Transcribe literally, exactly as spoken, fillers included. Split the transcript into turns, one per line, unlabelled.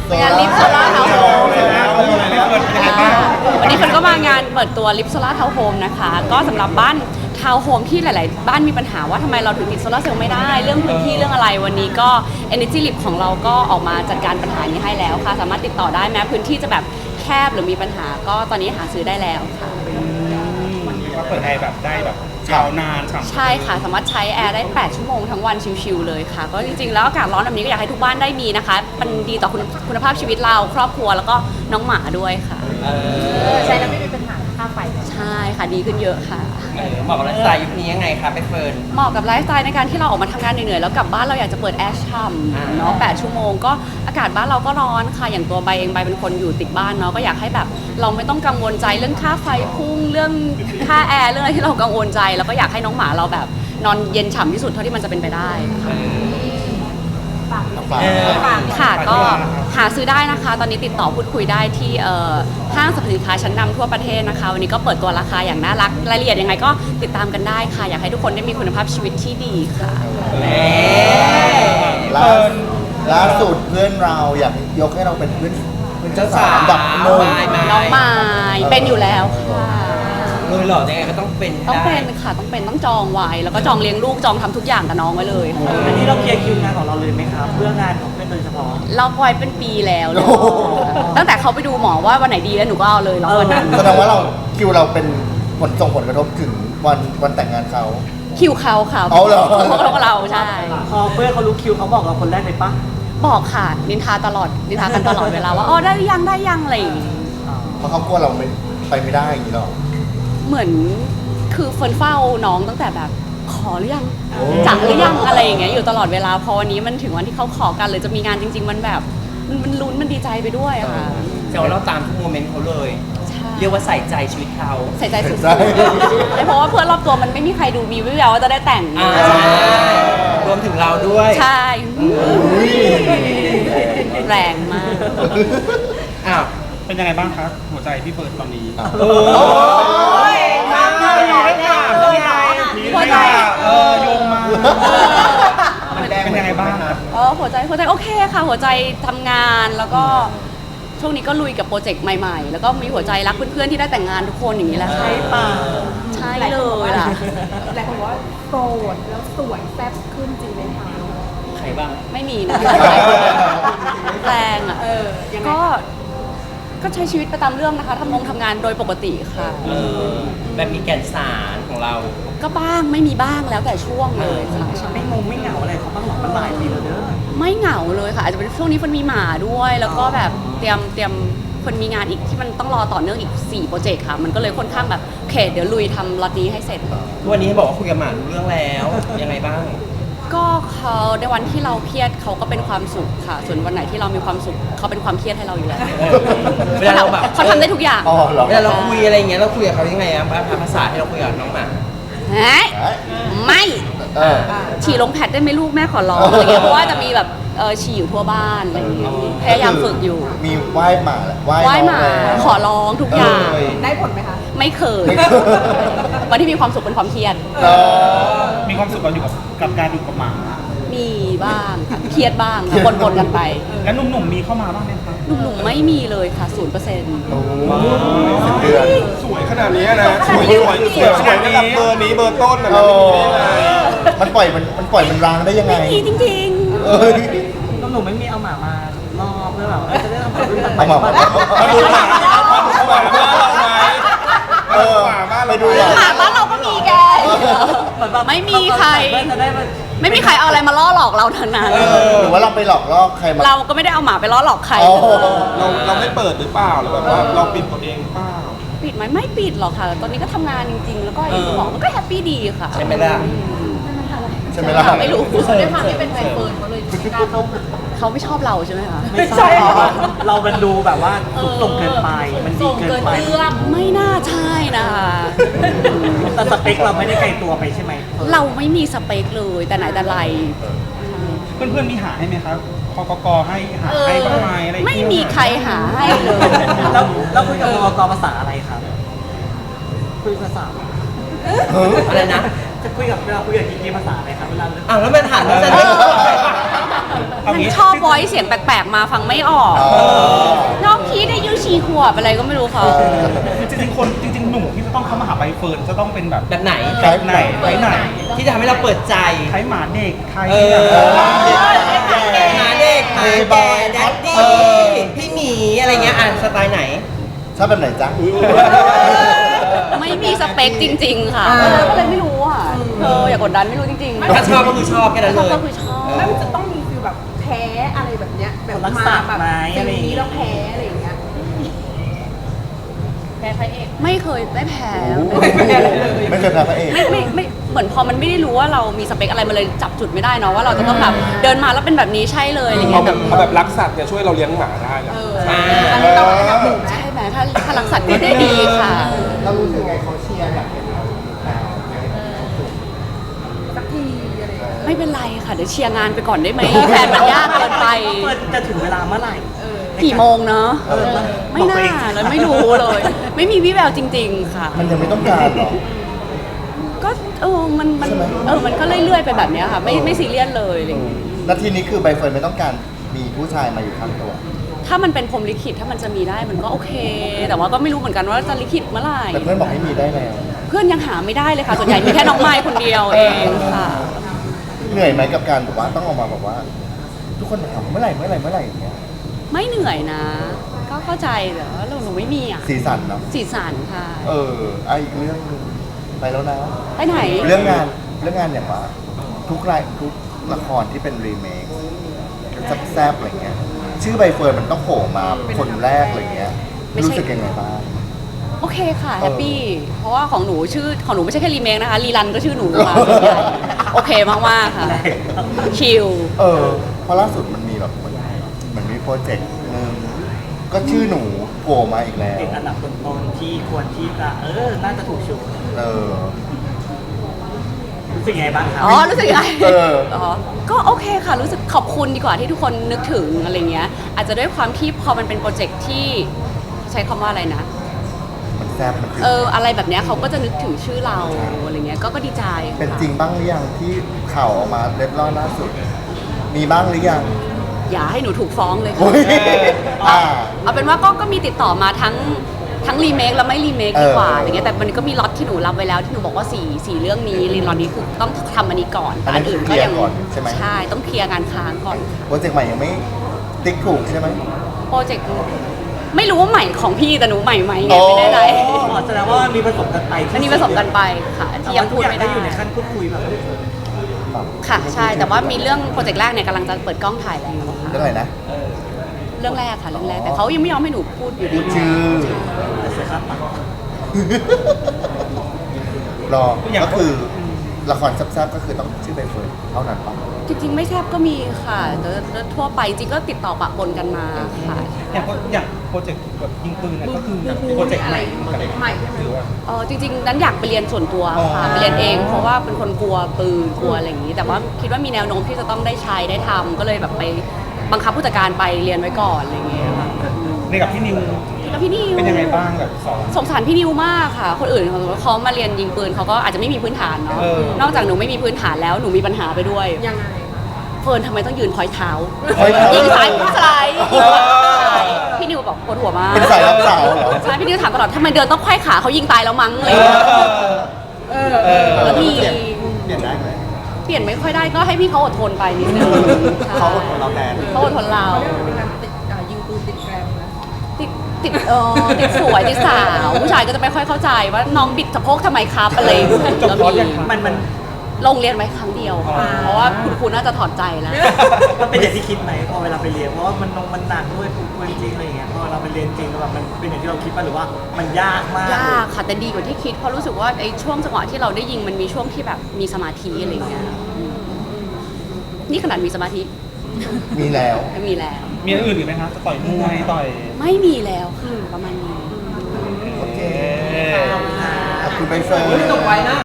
งานลิฟโซล่าเทาโฮมวันนี้คนก็มางานเปิดตัวลิฟโซล่าเทาโฮมนะคะก็สำหรับบ้านทาวน์โฮมที่หลายๆบ้านมีปัญหาว่าทำไมเราถึงติดโซลาร์เซลล์ไม่ได้เรื่องพื้นที่เรื่องอะไรวันนี้ก็ Energy Lip ของเราก็ออกมาจัดการปัญหานี้ให้แล้วค่ะสามารถติดต่อได้แม้พื้นที่จะแบบแคบหรือมีปัญหาก็ตอนนี้หาซื้อได้แล้วค่ะ
วันนี้ว่าเปิดแอร์แบบได้แบบยาวนาน
ใช่ค่ะสามารถใช้แอร์ได้แปดชั่วโมงทั้งวันชิลๆเลยค่ะก็จริงๆแล้วอากาศร้อนแบบนี้ก็อยากให้ทุกบ้านได้มีนะคะมันดีต่อคุณคุณภาพชีวิตเราครอบครัวแล้วก็น้องหมาด้วยค่ะ
ใช้แล้วไม่มีปัญหาค่าไฟ
ใช่ค่ะดีขึ้นเยอะค่ะ
เหมาะกับไลฟ์สไตล์ยุคนี้ยังไงคะไปเฟิร์น
เหมาะกับไลฟ์สไตล์ในการที่เราออกมาทำงานเหนื่อยๆแล้วกลับบ้านเราอยากจะเปิดแอร์ช่ำเนาะแปดชั่วโมงก็อากาศบ้านเราก็ร้อนค่ะอย่างตัวใบเองใบเป็นคนอยู่ติดบ้านเนาะก็อยากให้แบบเราไม่ต้องกังวลใจเรื่องค่าไฟพุ่งเรื่องค่าแอร์เรื่องอะไรที่เรากังวลใจแล้วก็อยากให้น้องหมาเราแบบนอนเย็นฉ่ำที่สุดเท่าที่มันจะเป็นไปได้ค่ะก็หาซื้อได้นะคะตอนนี้ติดต่อพูดคุยได้ที่ห้างสรรพสินค้าชั้นนำทั่วประเทศนะคะวันนี้ก็เปิดตัวราคาอย่างน่ารักรายละเอียดยังไงก็ติดตามกันได้ค่ะอยากให้ทุกคนได้มีคุณภาพชีวิตที่ดีค่ะ
ล่าสุดเพื่อนเราอยากยกให้เราเป็นเพื่อนเป็นเจ้าสาวดับโน
น้องไม้เป็นอยู่แล้วค่ะ
เลยหรอยังไงก็ต้องเป็น
ต้องเป็นค่ะต้องเป็นต้องจองไว้แล้วก็จองเลี้ยงลูกจองทำทุกอย่างกับน้องไว้เลย
อันนี้เราเคลียร์คิวงานของเราเลยไหมครับเพื่องานของเพื่อนโดยเฉพาะ
เราปล่อยเป็นปีแล้วเลยตั้งแต่เขาไปดูหมอว่าวันไหนดีแล้วหนูก็เอาเลยแล้ววันนั้น
แสดงว่าเราคิวเราเป็นผลส่งผลกระทบถึงวันวันแต่งงานเขา
คิวเขาค่ะ
เอาเหรอ
เขาก็เราใช่
พอเพื่อนเขารู้คิวเขาบอกเราคนแรกเลยปะ
บอกค่ะนินทาตลอดนินทากันตลอดเวลาว่าอ๋อได้ยังได้ยังอะไรอย่างงี้
เพราะเขากลัวเราไม่ไปไม่ได้อย่างนี้หรอ
เหมือนคือเฟิร์นเฝ้าน้องตั้งแต่แบบขอหรือยังจังหรือยังอะไรอย่างเงี้ยอยู่ตลอดเวลาพอวันนี้มันถึงวันที่เขาขอกันเลยจะมีงานจริงๆมันแบบมันลุ้นมันดีใจไปด้วยอะค่ะ
แต่ว่าเราตามทุกโมเมนต์เขาเลยเรียกว่าใส่ใจชีวิตเขา
ใส่ใจสุดๆเพราะว่าเพื่อนรอบตัวมันไม่มีใครดูมีวิวว่าจะได้แต่ง
รวมถึงเราด้วย
ใช่แรงมาก
อ้าว
เป็นยังไงบ้างครับหัวใจพี่เฟิร์นตอนนี้
โอ้ยทำเลยเลย
หัวใจ
เออโยงมาเป็นยังไงบ้างครับ
เออหัวใจหัวใจโอเคค่ะหัวใจทำงานแล้วก็ช่วงนี้ก็ลุยกับโปรเจกต์ใหม่ๆแล้วก็มีหัวใจรักเพื่อนๆที่ได้แต่งงานทุกคนอย่างนี้แหละใช่ป่ะใช่เลยล่ะ
หลายคนบอกว่าโสดแล้วสวยแซ่บขึ้นจริงไหมคะ
ใครบ้าง
ไม่มีนะแรงอ่ะก็ก็ใช้ชีวิตไปตามเรื่องนะคะทำงงทำงานโดยปกติค่ะ
แบบมีแก่นสารของเรา
ก็บ้างไม่มีบ้างแล้วแต่ช่วงเลยค่ะ
ไม่งงไม่เหงาอะไรเขาบ้างหรอมันหลายปีแล้วเด้อ
ไม่เหงาเลยค่ะอาจจะเป็นช่วงนี้คนมีหมาด้วยแล้วก็แบบเตรียมเตรียมคนมีงานอีกที่มันต้องรอต่อเนื่องอีกสี่โปรเจกต์ค่ะมันก็เลยค่อนข้างแบบโอเคเดี๋ยวลุยทำล็อตนี้ให้เสร็จ
วันนี้บอกว่าคุยกับหมาเรื่องแล้วยังไงบ้าง
ก็เขาในวันที่เราเครียดเขาก็เป็นความสุขค่ะส่วนวันไหนที่เรามีความสุขเขาเป็นความเครียดให้เราอยู่แล้ว
เวลาเราแบบ
เขาทำได้ทุกอย่าง
เวลาเราคุยอะไรอย่างเงี้ยเราคุยกับเขายังไงอะภาษาที่เราคุยกับน้องหมา
ไม่ฉี่ลงแพดได้ไหมลูกแม่ขอร้องอะไรเงี้ยเพราะว่าจะมีแบบฉี่อยู่ทั่วบ้านอะไรเงี้ยพยายามฝึกอยู่
มีไหว้หมา
ไหว้หมาขอร้องทุกอย่าง
ได้ผลไหมคะ
ไม่เคยวันที่มีความสุขเป็นความเครียด
มีความสุขกับอยู่กับการอยู่กับหมา
มีบ้างเครียดบ้างปนๆกันไป
แล้วหนุ่มๆมีเข้ามาบ้างไหมคะ
หนุ่มๆไม่มีเลยค่ะศูนย์เปอร์เซ็นต์
สวย
ขนาดนี้นะสวยสวยสวยขนาดนี้เบอร์นี้เบอร์ต้นนะ
มันปล่อยมันมันปล่อยมันร้างได้ยังไง
ไม่มีจริง
ๆหนุ่มไม่มีเอาหมามาล่อเพื่อแบบจะได้ทำความรู้จัก
หมามาดูหมาเอาหมาบ้านเราไหมเออหมาบ้านเราดู
หมาบ้านเราก็มีแกไม่มีใครไม่มีใครเอาอะไรมาล่อหลอกเราทั้งนั้น
หรือว่าเราไปหลอกล่อใครมา
เราก็ไม่ได้เอาหมาไปล่อหลอกใคร
เราเราไม่เปิดหรือเปล่าหรือแบบว่าเราปิดตัวเองเปล่า
ปิดไหมไม่ปิดหรอกค่ะตอนนี้ก็ทำงานจริงๆแล้วก็อย่างที่บอกมันก็แฮปปี้ดีค่ะ
ใช่ไหมล่ะ
ใช่ไหมล่ะ
ไม่รู้
ด้วยความที่เป็นใบเฟิร์นเขาเลยไม่กล้าเข้า
เขาไม่ชอบเราใช่ไหมคะ
ไม่ใช่เรามันดูแบบว่าส่งเกินไปมันดีเกินไป
ไม่น่าใช่นะคะ
แต่สเปคเราไม่ได้ไกลตัวไปใช่ไหม
เราไม่มีสเปคเลยแต่ไหนแต่ไร
เพื่อนๆมีหาให้ไหมครับคกกให้หาให้บ้างไหมอะไร
ไม่มีใครหาให้เลย
แล้วแล้วคุยกับคกกภาษาอะไรครับคุยภาษา
อะไรนะ
จะคุยกับเวลาคุยกับกิ๊กภาษาอะไรครับเวลา
อ้าวแล้วมันถามว่าจะ
เเอา
มัน
งี้
ชอบวอยเสียงแปลกๆมาฟังไม่ออก
อ๋อ
น้องพีได้ยูชีขวบอะไรก็ไม่รู้ค่ะ
จริงๆคนจริงๆหนุ่มที่จะต้องเข้ามาหาใบเฟิร์นจะต้องเป็นแบบ
แบบไหน
ไทป์ไหน
ไทป์ไหน
ที่จะทำให้เราเปิดใจ
ไทป์หมาเด็กไทป์
เออ
แบบ
หมาเด็กหมาแก่แดดดี้พี่หมีอะไรเงี้ยอ่านสไตล์ไหน
ชอบแบบไหนจ๊ะ
ไม่มีสเปคจริง ๆ ค่ะก็เลยไม่รู้อ่ะเธออย่ากดดันไม่รู้จริงๆ
ถ้าชอบก็คือชอบแค่นั้น
ช
เล
อบ
ย
ก็คือชอบ
แล้วมันจะต้องมีฟิลแบบแพ้อะไรแบบเนี้ยแบบ
รัก
มา
ษา
แบบ
ไหม
ฟิ
อะไร
ล
อย่าง
นี้
งี้
แล้วแพ้อะไรอย่างเงี้ยแพ้พระเอก
ไม่เคยได้แพ้
ไม่เคยแพ้พระเอก
ไม่ไม่ไม่เหมือนพอมันไม่ได้รู้ว่าเรามีสเปคอะไรมันเลยจับจุดไม่ได้เนาะว่าเราจะต้องแบบเดินมาแล้วเป็นแบบนี้ใช่เลยอะไร
เอา
เงี้ย
แบบเอาแบบรักสัตว์เนี่ยช่วยเราเลี้ยงหมาได้นะ
อ่า
อันนี้เราจะทำหมูไหม
ใช่ไหมถ้าถ้ารักสัตว์ก็ได้ดีค่ะ
เรารู้สึกไงเขาเชียร์อยากเป็น
สักทีอะไรอย่างเงี้ย
ไม่เป็นไรค่ะเดี๋ยวเชียร์งานไปก่อนได้ไหมแฟนมันยากเกินไป
เปิดจะถึงเวลาเมื่อไหร่
กี่โมงเนาะ
เออ
ไม่
บอกตัว
น่า
เอง
เลยไม่รู้เลย ไม่มีวิแววจริง ๆ ค่ะ
มันยังไม่ต้องการหรอ
ก็เออมันมัน
ใช่ไหม
เออมันก็เรื่อยๆไปแบบเนี้ยค่ะไม่ไม่ซีเรียสเลยอะไรอย่างเงี้ย
นาทีนี้คือใบเฟิร์นไม่ต้องการมีผู้ชายมาอยู่ข้างตัว
ถ้ามันเป็นพรหมลิขิตถ้ามันจะมีได้มันก็โอเค แต่ว่าก็ไม่รู้เหมือนกันว่าจะลิขิตเมื่อไหร่
แต่เพื่อนบอกให้มีได้แล้ว
เพื่อนยังหาไม่ได้เลยค่ะ ส่วนใหญ่มีแค่น้องไม้คนเดียวเองค่ะ
เหนื่อยไหมกับการแบบว่าต้องออกมาแบบว่า ทุกคนถามเมื่อไหร่เมื่อไหร่เมื่อไหร่อย่างเงี้ย
ไม่เหนื่อยนะ ก็เข้าใจแต่ว่าเราหนูไม่มีอ่ะ
สีสันเนาะ
สีสันค่ะ
เอออ่ะอีกเรื่องหนึงไปแล้วนะ
ไปไหน
เรื่องงานเรื่องงานอย่างว่า ทุกรายทุกละครที่เป็นรีเมคแซ่บๆอะไรเงี้ย ชื่อใบเฟิร์นมันต้องโผล่มาคนแรกอะไรเงี้ย
ไม่ใช่
รู้สึกยังไงบ้าง
โอเคค่ะ
เออ
แฮปปี้เพราะว่าของหนูชื่อของหนูไม่ใช่แค่รีเมคนะคะรีรันก็ชื่อหนูค่ะส่วนใหญ่โอเคมากๆค่ะชิล
เออเพราะล่าสุดมันมีแบบมันมันมีโปรเจกต์หนึงก็ชื่อหนูโผล่มาอีกแล้ว
ติดอันดับต้นๆที่ควรที่จะเออ น่าจะถูกชู
เออ
รู้สึกยังไงบ้างครับ
อ๋อรู้สึกยังไง
เออ
อ๋อก็โอเคค่ะ รู้สึกขอบคุณดีกว่าที่ทุกคนนึกถึงอะไรเงี้ย อาจจะด้วยความที่พอมันเป็นโปรเจกต์ที่ใช้คำว่าอะไรนะ
มันแซ่บมันคือ
เอออะไรแบบเนี้ยเขาก็จะนึกถึงชื่อเราอะไรเงี้ยก็ก็ดีใจค่ะ
เป็นจริงบ้างหรือยังที่ข่าวออกมาเล็ดลอดล่าสุด มีบ้างหรือยัง
อย่าให้หนูถูกฟ้องเลยค่ะ
โอ้ยอ่า
เอาเป็นว่าก็ก็มีติดต่อมาทั้งทั้งรีเมคและไม่รีเมคดีกว่า
เอออ
อะไรเงี้ยแต่มันก็มีล็อตที่หนูรับไว้แล้วที่หนูบอกว่าสี่สี่เรื่องนี้รีล็อตนี้คือต้องทำอันนี้ก่อนแต่อันอื่นก็ยัง
เคลียร์ก่อนใช่ไหม
ใช่ต้องเคลียร์งานค้างก่อนค่ะ
โปรเจกต์ใหม่ยังไม่ติ๊กถูกใช่ไหม
โปรเจกต์ไม่รู้ว่าใหม่ของพี่แต่หนูใหม่ไหมไงไม่แน่ใจ
อ๋อ
อ๋อแสดงว่ามันมีผสมกันไปที่
อันนี้ผสมกันไปค่ะที่ยังพูดไม่ได้
อยู่ในขั้นพูดคุยแบบ
ค่ะใช่แต่ว่ามีเรื่องโปรเจกต์แรกเนี่ยกำลังจะเปิดกล้องถ่ายแล้วค่ะ
เรื่องอะไรนะ
เรื่องแรกค่ะเรื่องแรกแต่เขายังไม่ยอมให้หนูพูดอยู่ดี
พูดชื่อ
เสียค่าปรับ
รอก็คือละครแซ่บๆก็คือต้องชื่อใบเฟิร์นเท่านั้นปะ
จริงๆไม่แทบก็มีค่ะแต่แต่ทั่วไปจริงก็ติดต่อปะปนกันมาค่ะ
อย่างโปรอย่างโปรเจกต์แบบยิงปืนเนี่ยก็คือโปรเจกต์ใหม่เหมือนกัน
ใหม่ใช่ไหม
หรือว่า
เออจริงๆนั้นอยากไปเรียนส่วนตัวค่ะ
อ๋อ
ไปเรียนเองเพราะว่าเป็นคนกลัวปืนกลัวอะไรอย่างนี้ แต่ว่าคิดว่ามีแนวโน้มที่จะต้องได้ใช้ได้ทำก็เลยแบบไปบังคับผู้จัดการไปเรียนไว้ก่อนอะไรอย่างเงี้ยค่ะ
ในกับพี่นิว
แล้วพี่นิว
เป็นยังไงบ้างแบบสอน
สงสารพี่นิวมากค่ะ คนอื่นเขามาเรียนยิงปืนเขาก็อาจจะไม่มีพื้นฐานเนาะ
เออ
นอกจากหนูไม่มีพื้นฐานแล้วหนูมีปัญหาไปด้วย
ยังไง
เฟิร์นทำไมต้องยืนพอยเท้า
พอยเท้า
ยิงซ้ายยิงสไลด์ยิงขวาสไลด์พี่นิวบอกปวดหัวมาก
เป็นสายรับสาวเหรอ
ใช่พี่นิวถามตลอดทำไมเดินต้องไขว้ขาเขายิงตายแล้วมั้งอะไรอย่างเงี้ย
เออ
เออ
แล้วมี
เปลี่ยนเปลี่ยนได้ไหม
เปลี่ยนไม่ค่อยได้ก็ให้พี่เขาอดทนไปนิดนึงใช่
เขาอดทนเราแทน
เขาอดทนเรา
เขาเรียกว่าเป็นการติดอ่ายิงปืนติดแกรมนะ
ติดติดเออติดสวยติดสาวผู้ชายก็จะไม่ค่อยเข้าใจว่าน้องบิดสะโพกทำไมครับอะไรอย่างเงี้ย
จบคอร์สยังคะ
มันมัน
ลงเรียนไว้ครั้งเดียวค่ะเพราะว่าคุณครูน่าจะถอดใจแล้ว
มันเป็นอย่างที่คิดไหมพอเวลาไปเรียนเพราะว่ามันนงมันหนักด้วยฝึกจริงอะไรอย่างเงี้ยพอเราไปเรียนจริงแล้วแบบมันเป็นอย่างที่เราคิดป่ะหรือว่ามันยากมาก
ยากค่ะแต่ดีกว่าที่คิดเพราะรู้สึกว่าไอ้ช่วงจังหวะที่เราได้ยิงมันมีช่วงที่แบบมีสมาธิอะไรอย่างเงี้ยอืมนี่ขนาดมีสมาธิ
มีแล้ว
ไม่มีแล้ว
มีอย่างอื่นอีกไหมคะจะต่อยมวยต่อย
ไม่มีแล้วค่ะประมาณนี้
โอเค ขอบคุณใบเฟิร์น
จบไว้นะ